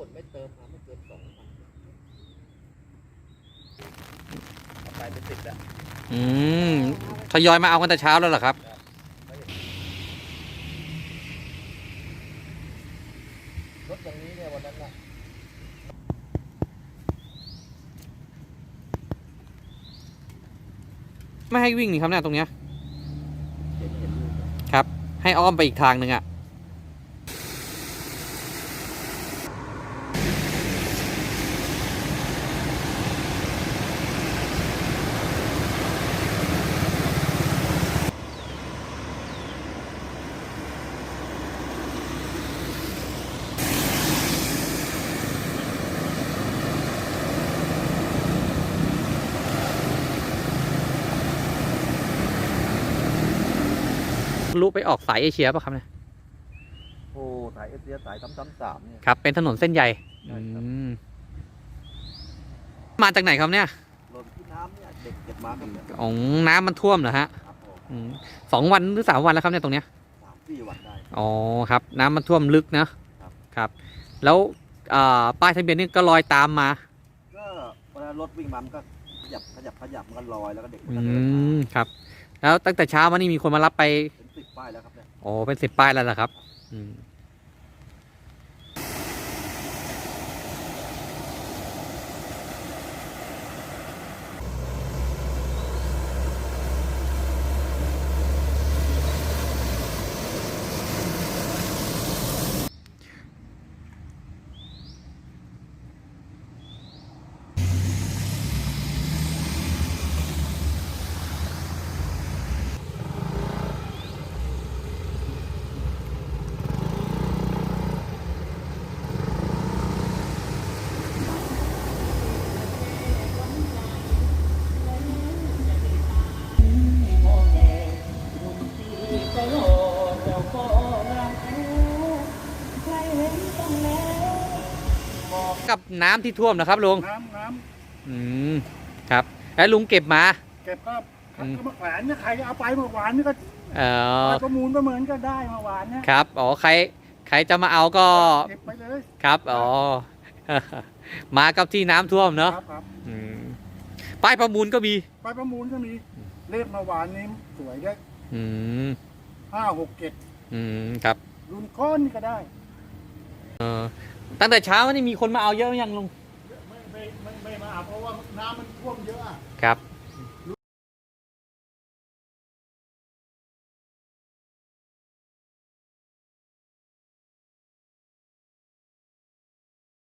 นไม่เติมมาไม่เกิน2 วันเอาไปเป็น10แล้วทยอยมาเอากันแต่เช้าแล้วเหรอครับรถอย่างนี้เนี่ยวันนั้นน่ะไม่ให้วิ่งนี่ครับเนี่ยตรงเนี้ยเห็นอยู่ครับให้อ้อมไปอีกทางหนึ่งอ่ะรู้ไปออกสายเอเชียป่ะครับเนี่ยโอ้สายเอเชียสาย333เนี่ยครับเป็นถนนเส้นใหญ่ใช่ครับมาจากไหนครับเนี่ยหล่นที่น้ำเนี่ยเด็กเก็บมาครับเนี่ยของน้ำมันท่วมเหรอฮะครับผม 2 วันหรือ3 วันแล้วครับเนี่ยตรงเนี้ย 3-4 วันได้อ๋อครับน้ำมันท่วมลึกนะครับแล้วป้ายทะเบียนนี่ก็ลอยตามมาก็เวลารถวิ่งมามันก็ขยับมันก็ลอยแล้วก็เด็กมันอืก็เดินมามครับแล้วตั้งแต่เช้ามานี่มีคนมารับไปเป็น10 ป้ายแล้วครับเนี่ยโอ้เป็น10 ป้ายแล้วเหรอครับกับน้ำที่ท่วมนะครับลุงน้ำครับแล้วลุงเก็บมาเก็บก็มาแขวนเนี่ยใครเอาไปเมื่อวานนี่ก็เออไปประมูลประเมินก็ได้เมื่อวานเนี่ยครับอ๋อใครจะมาเอาก็เก็บไปเลยครับอ๋อ มากับที่น้ำท่วมเนาะครับป้ายประมูลก็มีไปประมูลก็มีเลขเมื่อวานนี้สวยได้ 567 ครับรุ่นก้อนนี่ก็ได้ตั้งแต่เช้านี่มีคนมาเอาเยอะยังลุงไม่มาเพราะว่าน้ำมันท่วมเยอะครับ